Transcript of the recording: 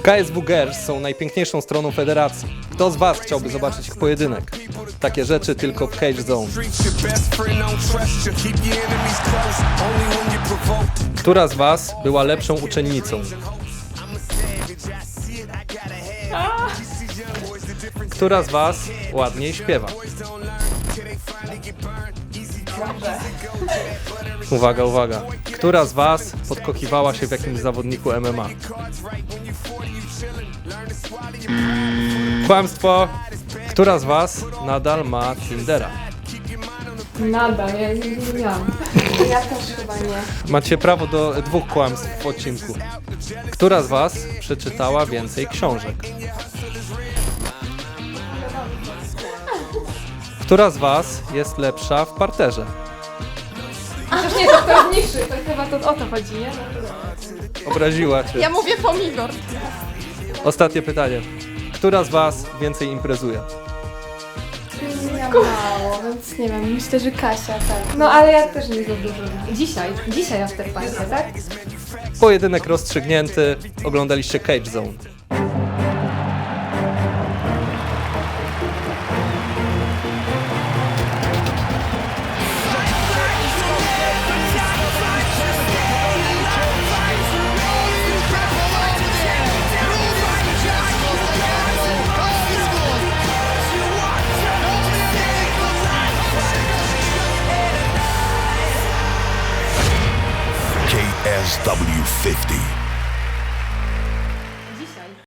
KSW Girls są najpiękniejszą stroną federacji. Kto z Was chciałby zobaczyć ich pojedynek? Takie rzeczy tylko w Cage Zone. Która z Was była lepszą uczennicą? Która z Was ładniej śpiewa? Uwaga, uwaga. Która z Was podkochiwała się w jakimś zawodniku MMA? Kłamstwo. Która z Was nadal ma Tindera? Nadal, ja nie miałam. Ja też chyba nie. Macie prawo do 2 kłamstw w odcinku. Która z Was przeczytała więcej książek? Która z Was jest lepsza w parterze? Chociaż nie, to pewniejszy, to chyba to o to chodzi, nie? Obraziła Cię. Ja mówię pomidor. Ostatnie pytanie. Która z Was więcej imprezuje? Ja mało, więc nie wiem, myślę, że Kasia, tak. No ale ja też nie za dużo. Dzisiaj afterparty, tak? Pojedynek rozstrzygnięty. Oglądaliście Cage Zone. KSW 50.